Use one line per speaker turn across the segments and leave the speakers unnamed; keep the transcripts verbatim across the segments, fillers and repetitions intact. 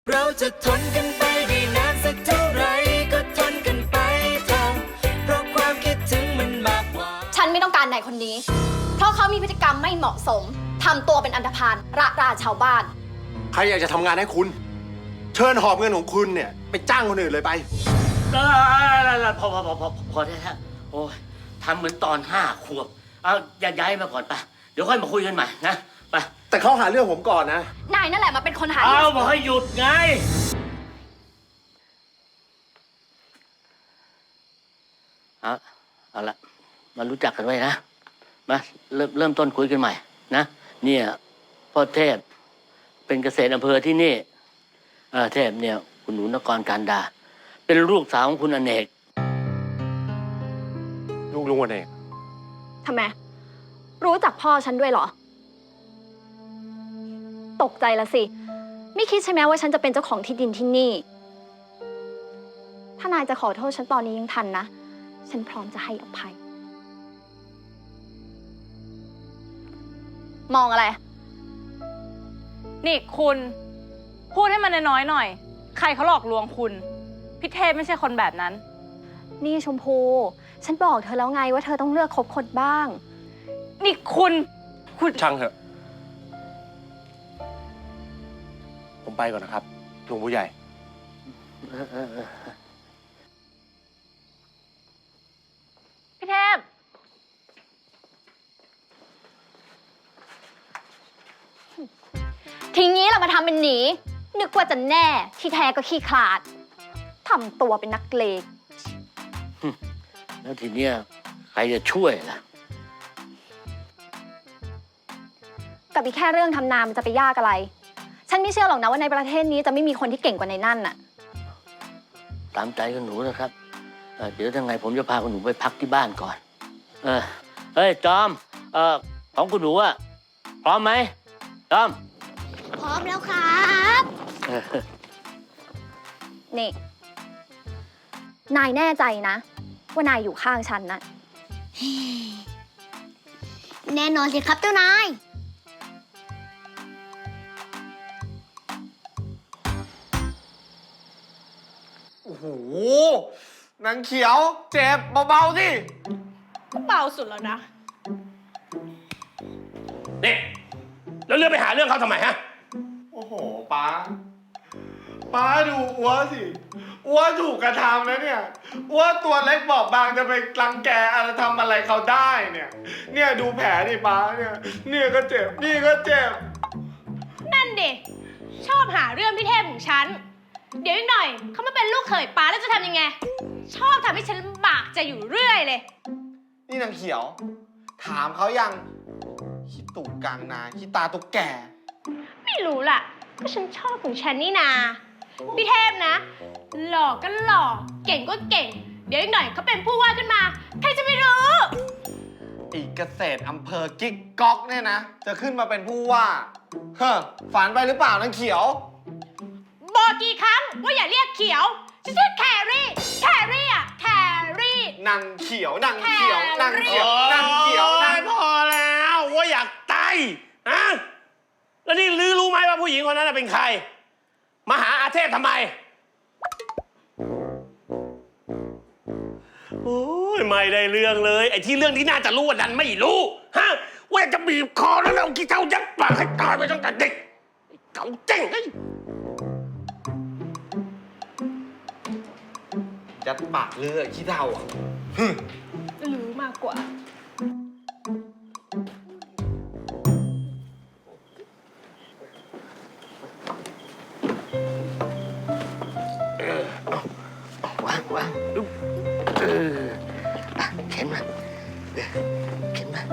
เราจะทนกันไปได้นานสักเท่าไรก็ทนกันไปเถอะเพราะความคิดถึงมันมากกว่า
ฉันไม่ต้องการนายคนนี้เพราะเขามีพฤติกรรมไม่เหมาะสมทำตัวเป็นอันธพาลระราชาวบ้าน
ใครอยากจะทำงานให้คุณเชิญหอบเงินของคุณเนี่ยไปจ้างคนอื่นเลยไป
เออพอพอพอพอพอได้แล้วโอ้ยทำเหมือนตอนห้าขวบเอาย้ายมาก่อนไปเดี๋ยวค่อยมาคุยกันใหม่นะไป
แต่เขาหาเรื่องผมก่อนนะ
นายนั่นแหละมาเป็นคนหา
เอาบอกให้หยุดไงเอาเอาละมารู้จักกันไว้นะมาเริ่มเริ่มต้นคุยกันใหม่นะเนี่ยพ่อเทพเป็นเกษตรอำเภอที่นี่เออเทพเนี่ยคุณหนูนกรการดาเป็นลูกสาวของคุณอเนก
ลูกลุงอเนก
ทำไมรู้จักพ่อฉันด้วยเหรอตกใจละสิไม่คิดใช่ไหมว่าฉันจะเป็นเจ้าของที่ดินที่นี่ถ้านายจะขอโทษฉันตอนนี้ยังทันนะฉันพร้อมจะให้อภัยมองอะไร
นี่คุณพูดให้มันน้อยๆหน่อยใครเขาหลอกลวงคุณพี่เทพไม่ใช่คนแบบนั้น
นี่ชมพูฉันบอกเธอแล้วไงว่าเธอต้องเลือกคบคนบ้าง
นี่คุณคุณ
ช่างเถอะผมไปก่อนนะครับลุงผู้ใหญ่
พี่เทพ
ทีนี้เรามาทำเป็นหนีนึกว่าจะแน่ที่แท้ก็ขี้ขลาดทำตัวเป็นนักเลง
แล้วทีเนี้ยใครจะช่วยล่ะ
กับอีกแค่เรื่องทำนามันจะไปยากอะไรฉันไม่เชื่อหรอกนะว่าในประเทศนี้จะไม่มีคนที่เก่งกว่าในนั่นน่ะ
ตามใจคุณหนูนะครับเดี๋ยวยังไงผมจะพาคุณหนูไปพักที่บ้านก่อนเออเฮ้ยจอมเออของคุณหนูอะพร้อมไหมจอม
พร้อมแล้วครับนี่นายแน่ใจนะว่านายอยู่ข้างฉันนะ
แน่นอนสิครับเจ้านาย
โอ้โหนางเขียวเจ็บเบาๆสิ
ก็เบาสุดแล้วนะ
นี่แล้วเรื่องไปหาเรื่องเขาทำไมฮะ
โอ้โหป้าป้าดูอ้วสิอ้วถูกกระทำนะเนี่ยอ้วตัวเล็กบอบบางจะไปรังแกอะไรทำอะไรเขาได้เนี่ยเนี่ยดูแผลดิป้าเนี่ยเนี่ยก็เจ็บนี่ก็เจ็บ
นั่นดิชอบหาเรื่องพี่เทพของฉันเดี๋ยวอีกหน่อยเขามาเป็นลูกเขยป้าแล้วจะทำยังไงชอบทำให้ฉันลำบากใจอยู่เรื่อยเลย
นี่นางเขียวถามเขายังขี้ตู่กลางนาขี้ตาตุ๊กแก
ไม่รู้ล่ะก็ฉันชอบของฉันนี่นาพี่เทพนะหล่อก็หล่อเก่งก็เก่งเดี๋ยวอีกหน่อยเขาเป็นผู้ว่าขึ้นมาใครจะไม่รู้
อีกเกษตรอำเภอกิ๊กก๊อกเนี่ยนะจะขึ้นมาเป็นผู้ว่าเฮ้อฝันไปหรือเปล่านางเขียว
บอกกี่ครั้งว่าอย่าเรียกเขียวฉันชื่อแครี่แครี่อะแครี่
นางเขียวนางเขียวนางเขียวนางเขียวนาง
พอแล้วว่าอยากตายฮะแล้วนี่ลือรู้ไหมว่าผู้หญิงคนนั้นเป็นใครมาหาอาเทพทำไมโอ้ยไม่ได้เรื่องเลยไอ้ที่เรื่องที่น่าจะรู้ว่าดันไม่รู้ฮะว่าจะบีบคอแล้วเอาขี้เท้ายัดปากให้ตายไปตั้งแต่เด็กเก่าเจ๋งไอ้
ยัดปากเลือขี้เท้าอ่ะ
รู้มากกว่า
วางวางเออเข็นมาเข็นมา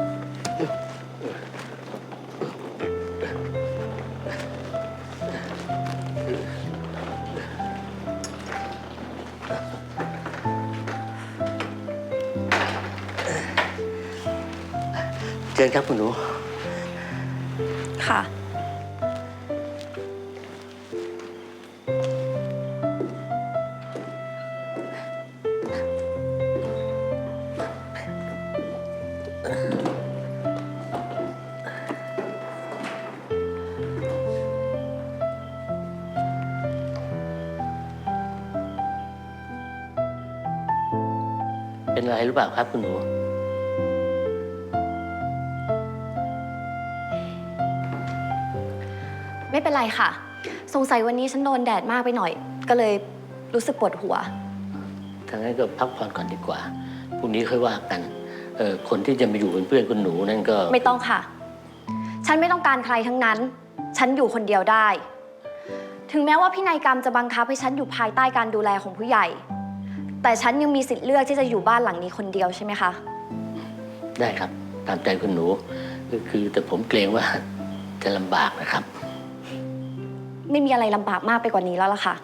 เชิญครับคุณหนู
ค่ะ
เป็นอะไรหรือเปล่าครับคุณหนู
ไม่เป็นไรค่ะ สงสัยวันนี้ฉันโดนแดดมากไปหน่อย ก็เลยรู้สึกปวดหัว
ทางนั้นก็พักผ่อนก่อนดีกว่า พรุ่งนี้ค่อยว่ากัน เออคนที่จะมาอยู่เป็นเพื่อนคุณหนูนั่นก็
ไม่ต้องค่ะ ฉันไม่ต้องการใครทั้งนั้น ฉันอยู่คนเดียวได้ ถึงแม้ว่าพินัยกรรมจะบังคับให้ฉันอยู่ภายใต้การดูแลของผู้ใหญ่ แต่ฉันยังมีสิทธิ์เลือกที่จะอยู่บ้านหลังนี้คนเดียวใช่ไหมคะ
ได้ครับ ตามใจคุณหนูก็คือแต่ผมเกรงว่าจะลำบากนะครับ
ไม่มีอะไรลำบากมากไปกว่านี้แล้วล่ะค่ะ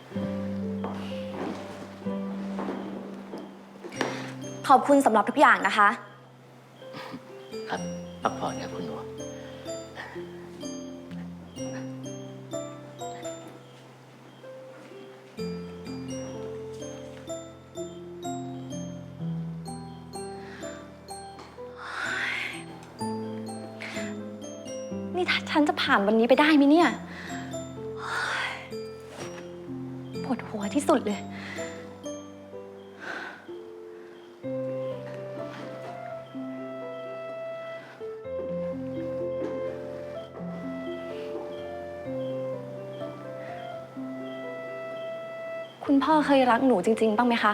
ขอบคุณสำหรับทุกอย่างนะคะ
ครับพักผ่อนครับคุณหนู
นี่ถ้าฉันจะผ่านวันนี้ไปได้ไหมเนี่ยปวดหัวที่สุดเลย คุณพ่อเคยรักหนูจริง ๆ บ้างไหมคะ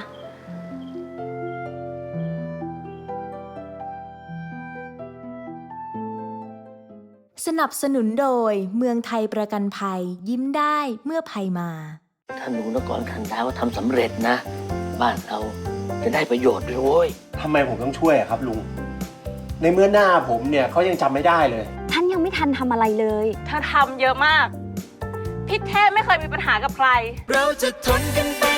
สนับสนุนโดยเมืองไทยประกันภัยยิ้มได้เมื่อภัยมา
ถ้าหนูนกรคันดาวทำสำเร็จนะ บ้านเราจะได้ประโยชน์ด้วยโว้ย
ทำไมผมต้องช่วยอะครับลุง ในเมื่อหน้าผมเนี่ยเขายังจำไม่ได้เลย
ฉันยังไม่ทันทำอะไรเลย
เธอทำเยอะมาก พี่เทพไม่เคยมีปัญหากับใคร
เราจะทนกันไป